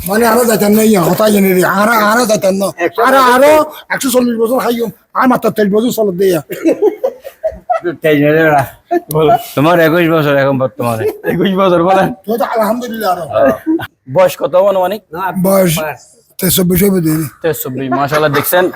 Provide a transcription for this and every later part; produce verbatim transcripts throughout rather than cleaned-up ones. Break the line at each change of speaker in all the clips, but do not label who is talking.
মানে আরো যাইতেন না ইয়া হতাই জানি রে আর আরো যাইতেন না আর আরো একশো চল্লিশ বছর খাইম আর মাত্র তেইশ বছর চলত দিয়া
তোমার একুশ বছর এখন বর্তমানে একুশ বছর বলেন
তো তো আলহামদুলিল্লাহ আরো
বয়স কত অনুমানিক
বয়স তেইশ বছর দিয়ে
তেইশ মাশাআল্লাহ দেখছেন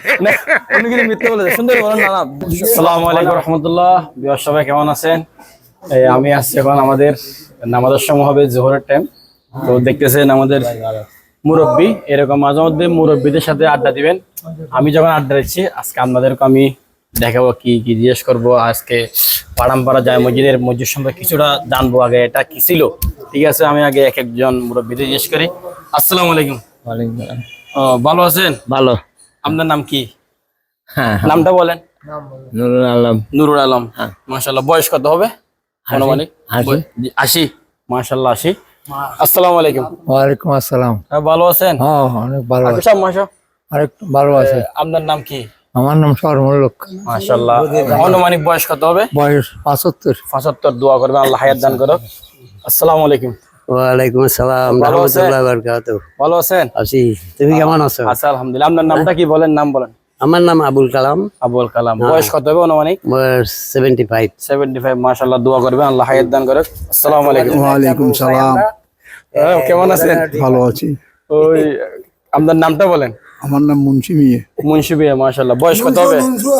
উনি কিন্তু মিথ্যা বলে সুন্দর বলেন না না আসসালামু আলাইকুম রাহমাতুল্লাহ বিয়ার সবাই কেমন আছেন এই আমি আসছি এখন আমাদের নামাজের সময় হবে জোহরের টাইম তো দেখতেছেন আমাদের মুরব্বি এরকম মাঝে মধ্যে মুরব্বিদের সাথে আড্ডা দিবেন আমি যখন আড্ডা দিচ্ছি আজকে আপনাদেরকে আমি দেখাবো কি কি জিজ্ঞেস করবো আজকে পাড়ামপাড়া যায় মসজিদের মসজিদ সম্পর্কে কিছুটা জানবো আগে এটা কি ছিল ঠিক আছে আমি আগে এক একজন মুরব্বিদের জিজ্ঞেস করি আসসালামু আলাইকুম ও ভালো আছেন
ভালো
আপনার নাম কি
হ্যাঁ
নামটা বলেন
নুরুল আলম
নুরুল আলম মাশাআল্লাহ বয়স কত হবে আনুমানিক আশি মাশাআল্লাহ আশি আসসালামু আলাইকুম
ওয়ালাইকুম আসসালাম
ভালো আছেন
হ্যাঁ অনেক ভালো আছে
সব মাশা
আরেক ভালো আছে
আপনার নাম কি
আমার নাম সরমুল্লক
মাশাআল্লাহ আনুমানিক বয়স কত হবে
বয়স পঁচাত্তর
পঁচাত্তর দোয়া করবেন আল্লাহ হায়াত দান করুক আসসালামু আলাইকুম
ওয়ালাইকুম আসসালাম
ভালো আছেন?
রাহমাতুল্লাহি ওয়া বারাকাতুহু
ভালো আছেন
আছি তুমি কেমন আছো
আচ্ছা আলহামদুলিল্লাহ আপনার নামটা কি বলেন নাম বলেন
আমার নাম আবুল কালাম
আবুল কালাম বয়স কত হবে আনুমানিক
বয়স সেভেন্টি ফাইভ
সেভেন্টি ফাইভ মাশাআল্লাহ দোয়া করবেন আল্লাহ হায়াত দান করুক আসসালামু আলাইকুম
ওয়ালাইকুম সালাম
হ্যাঁ, কেমন আছেন
ভালো আছি
ওই আপনার নামটা বলেন
আমার নাম মুন্সি মিয়ে
মুন্সি বিয়ে মাশাআল্লাহ বয়স কত হবে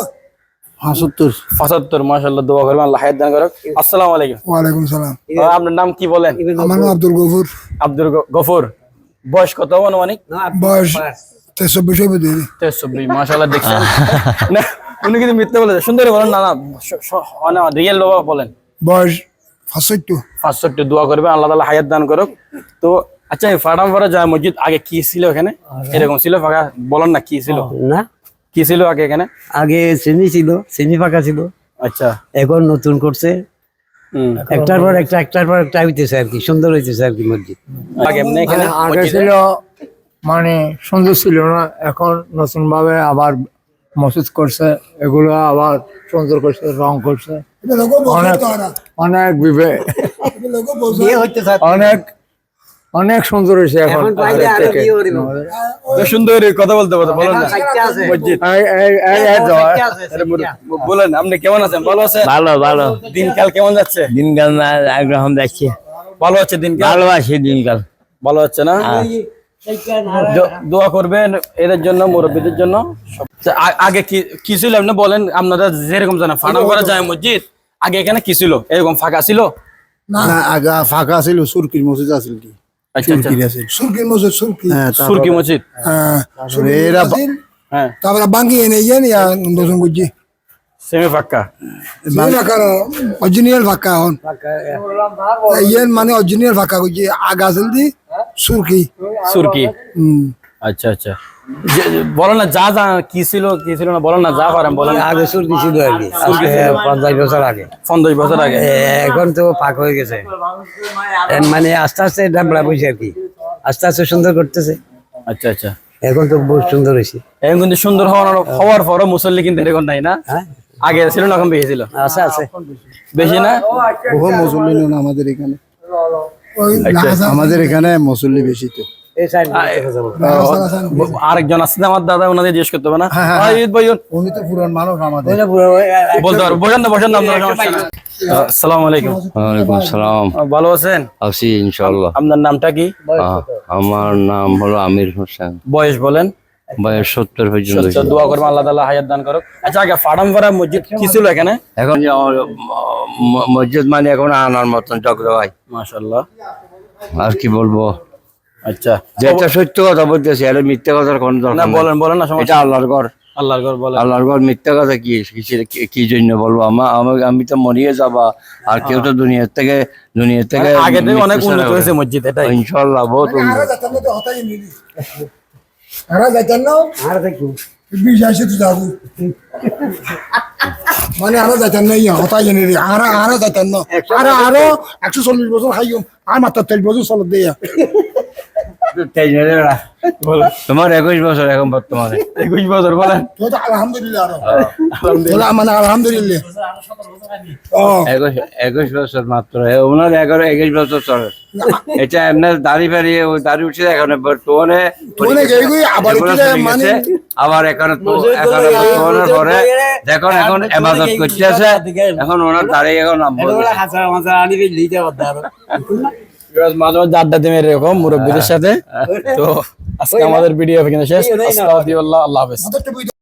পঁচাত্তর
পঁচাত্তর মাশাআল্লাহ দোয়া করবেন আল্লাহ হায়াত দান করুক আসসালামু আলাইকুম
ওয়ালাইকুম সালাম
আহ, আপনার নাম কি বলেন
আমার নাম আব্দুল গফুর
আব্দুল গ- গফুর বয়স কত হবে আনুমানিক
বয়স তেইশ বছর দিয়ে
তেইশ চব্বিশ মাশাআল্লাহ দেখছেন না উনি কিন্তু মিথ্যা বলে সুন্দর বলেন না না রিয়েল লোক বলেন
বয়স পঁচাত্তর
পাঁচষট্টি দোয়া করবেন আল্লাহ তাআলা হায়াত দান করুক তো আচ্ছা এই ফাটাম ফাটা যায় মসজিদ আগে কি ছিল এখানে এরকম ছিল ফাঁকা বলেন না কি ছিল
না
কি ছিল আগে এখানে
আগে সেমি ছিল সেমি ফাঁকা ছিল
আচ্ছা
এখন নতুন করছে
হুম
একটার পর একটা একটার পর একটা হইতেছে আর কি সুন্দর হইতেছে আর কি মসজিদ
আগে এমনি এখানে
আগে
মসজিদে-
ছিল মানে সুন্দর ছিল না এখন নতুন ভাবে আবার মসজিদ করছে এগুলো আবার সুন্দর করছে রং করছে অনেক অনেক বিবে অনেক অনেক সুন্দর হয়েছে এখন আগের থেকে।
তো সুন্দর কথা বলতে পারতো বলেন না মসজিদ
এই- এই- এই- এই তো,
আরে বল- বলেন আপনি কেমন আছেন ভালো আছেন
ভালো ভালো
দিনকাল কেমন যাচ্ছে
দিনকাল না একরকম দেখছি
ভালো হচ্ছে দিনকাল
ভালোবাসি দিনকাল
ভালো হচ্ছে না দ- দোয়া করবেন এদের জন্য মুরব্বীদের জন্য সব- তা আ- আগে কি কি ছিল আপনি বলেন আপনারা যেরকম জানেন ফাটা করা যায় মসজিদ আগে এখানে কি ছিল এরকম ফাঁকা ছিল
না আগা ফাঁকা ছিল সুরকির মসজিদ আছিল কি
আচ্ছা আচ্ছা
সুরকির মসজিদ সুরকি
সুরকি মসজিদ
হ্যাঁ এরা
হ্যাঁ
তারপরে বাঙ্গি এনে ইয়েন ইয়া দোষণ করছি
সেমি ফাঁকা
অরিজিনাল ফাঁকা এখন ইয়েন মানে অরিজিনাল ফাঁকা করছি আগা আছিল দি সুরকি
সুরকি
হুম
আচ্ছা আচ্ছা যে- যে- বলো না যা যা কি ছিল কি ছিল না বলো না যা পারেন বলেন
আগে সুরকি ছিল আর কি আজকে পঞ্চাশ বছর আগে
পঞ্চাশ বছর আগে
এখন তো ফাঁক হয়ে গেছে এ মানে আস্তে আস্তে ডাবলা বসে আর কি আস্তে আস্তে সুন্দর করতেছে
আচ্ছা আচ্ছা
এখন তো বহুত সুন্দর হয়েছে
এখন কিন্তু সুন্দর হওয়ার হওয়ার পরও মুসল্লি কিন্তু এরকম নাই না
হ্যাঁ
আগে ছিল না এখন বেশি ছিল
আছে আছে
বেশি না
বহু মুসল্লি না আমাদের এখানে
আচ্ছা।
আমাদের এখানে মুসল্লি বেশি তো
এই সাইড
আরেকজন আছে না আমার দাদা ওনাদের জিজ্ঞেস করতে হবে না ভাই, ঈদ ভাই,
উনি তো পুরান মানুষ আমাদের
বলতে পারবো বসেন না বসেন না আপনার সমস্যা নেই। আসসালামু আলাইকুম
ওয়ালাইকুম সালাম
আহ, ভালো আছেন
আছি ইনশাআল্লাহ
আপনার নামটা কি
আহ, আমার নাম হলো আমির হোসেন
বয়স বলেন
বয়স সত্তর পর্যন্ত
সত্য
হয়েছে।
দোয়া করবেন আল্লাহ তাআলা হায়াত দান করুক আচ্ছা আগে ফাড়াম ফাড়া মসজিদ কি ছিল এখানে
এখন যে, আহ, ম- মসজিদ মানে এখন আনার মতন চক্রভাই
মাশাআল্লাহ
আর কি বলবো
আচ্ছা
যেটা সত্য কথা বলতেছি আর মিথ্যা কথার কোনো
না
দরকার নেই।
বলেন বলেন না সমস্যা
এটা আল্লাহর ঘর
আল্লাহর ঘর বলেন
আল্লাহর ঘর মিথ্যা কথা কি কিসের- কি- কি জন্য বলবো আমার আমি- আমি তো মরিয়ে যাবা আর কেউ তো দুনিয়ার থেকে দুনিয়ার থেকে
আগে থেকে অনেক
মৃত্যু
উন্নত
ছাড়া
হয়েছে
করে।
মসজিদ এটাই
ইনশাআল্লাহ বহুত উন্নত।
বিশ আসে তো যাবো মানে আরো যাইতেন না ইয়া হতাই জানি রে আর আরো যাইতেন না আর আরো একশো চল্লিশ বছর খাইম আর মাত্র তেইশ বছর চলত দিয়া
বলো
তোমার একুশ বছর এখন বর্তমানে।
একুশ বছর বলেন
তো তো আলহামদুলিল্লাহ আরো আলহামদুলিল্লাহ মানে আলহামদুলিল্লাহ ও
একুশ একুশ বছর মাত্র এ, ওনার এগারো একুশ বছর চলে। এটা এমনি দাড়ি ফাড়িয়ে ওই দাড়ি উঠছে এখন বর্তমানে
তোনে গেই আবার
এগুলো
এটা
চলে
মানে
গেছে। আবার এখন তো- এখন বর্তমানের পরে দেখুন এখন এবাদত করতে আছে, এখন ওনার দাড়ি এখন নামবো।
মাঝে মাঝে আড্ডা দিন এরকম মুরব্বীদের সাথে। তো আজকে আমাদের ভিডিও এখানে শেষ। আসসালামু আলাইকুম, আল্লাহ হাফেজ।
মাথাটা